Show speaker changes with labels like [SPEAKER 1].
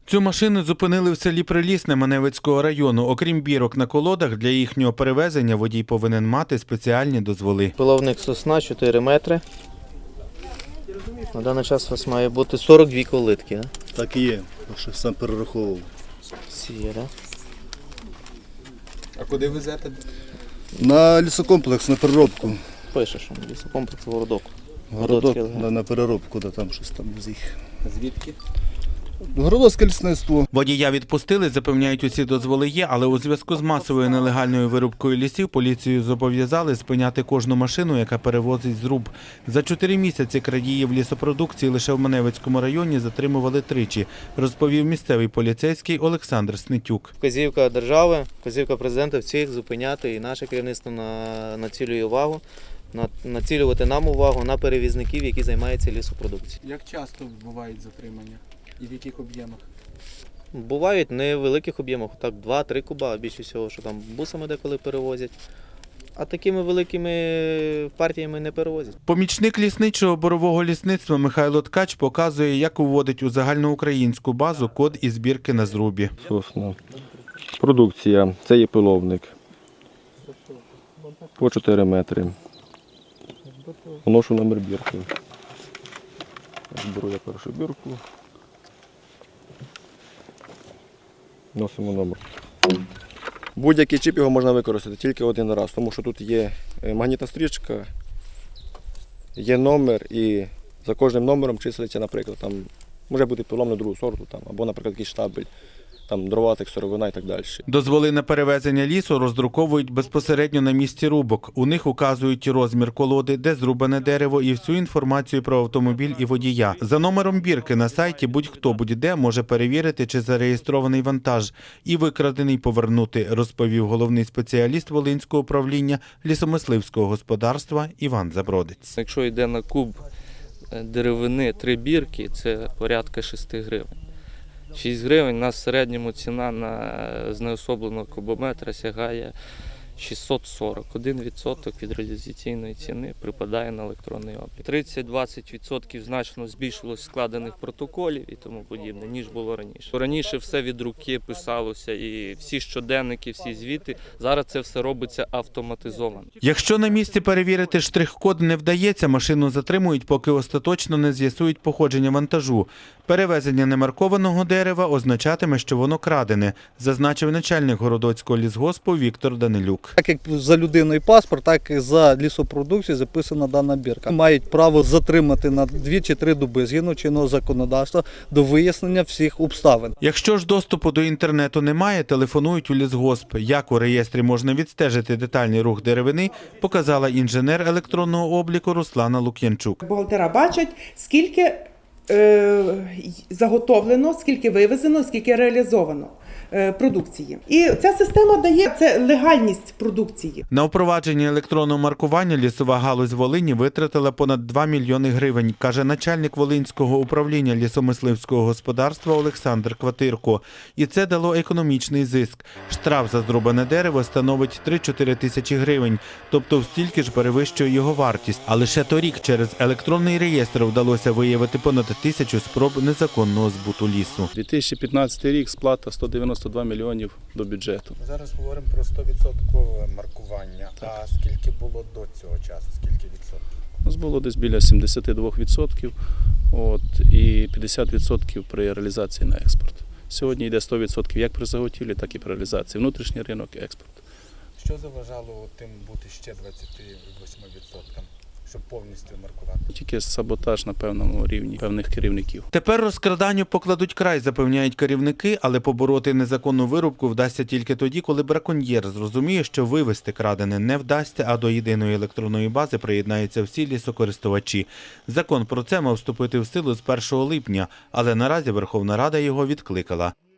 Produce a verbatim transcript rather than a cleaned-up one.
[SPEAKER 1] Цю машину зупинили в селі Прилісне Маневицького району. Окрім бірок на колодах, для їхнього перевезення водій повинен мати спеціальні дозволи.
[SPEAKER 2] Пиловник сосна чотири метри. На даний час у вас має бути сорок дві колодки. Да?
[SPEAKER 3] Так і є, що сам перераховував.
[SPEAKER 2] Всі є, да?
[SPEAKER 1] А куди везете?
[SPEAKER 3] На лісокомплекс, на переробку.
[SPEAKER 2] Пише, що лісокомплекс Городок.
[SPEAKER 3] Городок, на, на переробку, да, там щось там з їх.
[SPEAKER 1] Звідки?
[SPEAKER 3] Городоцьке лісництво.
[SPEAKER 1] Водія відпустили, запевняють, усі дозволи є, але у зв'язку з масовою нелегальною вирубкою лісів поліцію зобов'язали спиняти кожну машину, яка перевозить зруб. За чотири місяці крадіїв лісопродукції лише в Маневицькому районі затримували тричі, розповів місцевий поліцейський Олександр Снитюк.
[SPEAKER 2] Вказівка держави, вказівка президента всіх зупиняти, і наше керівництво на, націлює увагу, на, націлювати нам увагу на перевізників, які займаються лісопродукцією.
[SPEAKER 1] Як часто бувають затримання і в яких об'ємах?
[SPEAKER 2] Бувають не в великих об'ємах, так два-три куба, більше всього, що там бусами деколи перевозять. А такими великими партіями не перевозять.
[SPEAKER 1] Помічник лісничого борового лісництва Михайло Ткач показує, як уводить у загальноукраїнську базу код із збірки на зрубі.
[SPEAKER 4] Сосна. Продукція. Це є пиловник. По чотири метри. Вношу номер бірки. Беру я першу бірку. Носимо номер. Будь-який чіп його можна використати тільки один раз, тому що тут є магнітна стрічка, є номер і за кожним номером числиться, наприклад, там може бути пиловник другого сорту, там, або, наприклад, якийсь штабель, там дроватик, сировина і так далі.
[SPEAKER 1] Дозволи на перевезення лісу роздруковують безпосередньо на місці рубок. У них указують розмір колоди, де зрубане дерево і всю інформацію про автомобіль і водія. За номером бірки на сайті будь-хто будь-де може перевірити, чи зареєстрований вантаж і викрадений повернути, розповів головний спеціаліст Волинського управління лісомисливського господарства Іван Забродець.
[SPEAKER 5] Якщо йде на куб деревини три бірки, це порядка шести гривень. шість гривень, у нас в середньому ціна на знеособленого кубометра сягає шістсот сорок. Один відсоток від реалізаційної ціни припадає на електронний облік. тридцять-двадцять відсотків значно збільшилось складених протоколів і тому подібне, ніж було раніше. Раніше все від руки писалося, і всі щоденники, всі звіти. Зараз це все робиться автоматизовано.
[SPEAKER 1] Якщо на місці перевірити штрих-код не вдається, машину затримують, поки остаточно не з'ясують походження вантажу. Перевезення немаркованого дерева означатиме, що воно крадене, зазначив начальник Городоцького лісгоспу Віктор Данилюк.
[SPEAKER 6] Так як за людиною паспорт, так і за лісопродукцію записана дана бірка. Мають право затримати на дві чи три доби згідно чинного законодавства до вияснення всіх обставин.
[SPEAKER 1] Якщо ж доступу до інтернету немає, телефонують у лісгосп. Як у реєстрі можна відстежити детальний рух деревини, показала інженер електронного обліку Руслана Лук'янчук.
[SPEAKER 7] Бухгалтера бачать, скільки е, заготовлено, скільки вивезено, скільки реалізовано продукції. І ця система дає це легальність продукції.
[SPEAKER 1] На впровадження електронного маркування лісова галузь Волині витратила понад два мільйони гривень, каже начальник Волинського управління лісомисливського господарства Олександр Кватирко. І це дало економічний зиск. Штраф за зрубане дерево становить три-чотири тисячі гривень, тобто в стільки ж перевищує його вартість. А лише торік через електронний реєстр вдалося виявити понад тисячу спроб незаконного збуту лісу.
[SPEAKER 8] дві тисячі п'ятнадцятий рік, сплата сто дев'яносто два мільйонів до бюджету.
[SPEAKER 9] Зараз говоримо про сто відсотків маркування. Так. А скільки було до цього часу? Скільки відсотків?
[SPEAKER 8] У нас було десь біля сімдесят два відсотки от, і п'ятдесят відсотків при реалізації на експорт. Сьогодні йде сто відсотків як при заготівлі, так і при реалізації. Внутрішній ринок, експорт.
[SPEAKER 9] Що заважало тим бути ще двадцяти восьми відсоткам? Щоб повністю маркувати.
[SPEAKER 8] Тільки саботаж на певному рівні певних керівників.
[SPEAKER 1] Тепер розкраданню покладуть край, запевняють керівники, але побороти незаконну вирубку вдасться тільки тоді, коли браконьєр зрозуміє, що вивезти крадене не вдасться, а до єдиної електронної бази приєднаються всі лісокористувачі. Закон про це мав вступити в силу з першого липня, але наразі Верховна Рада його відкликала.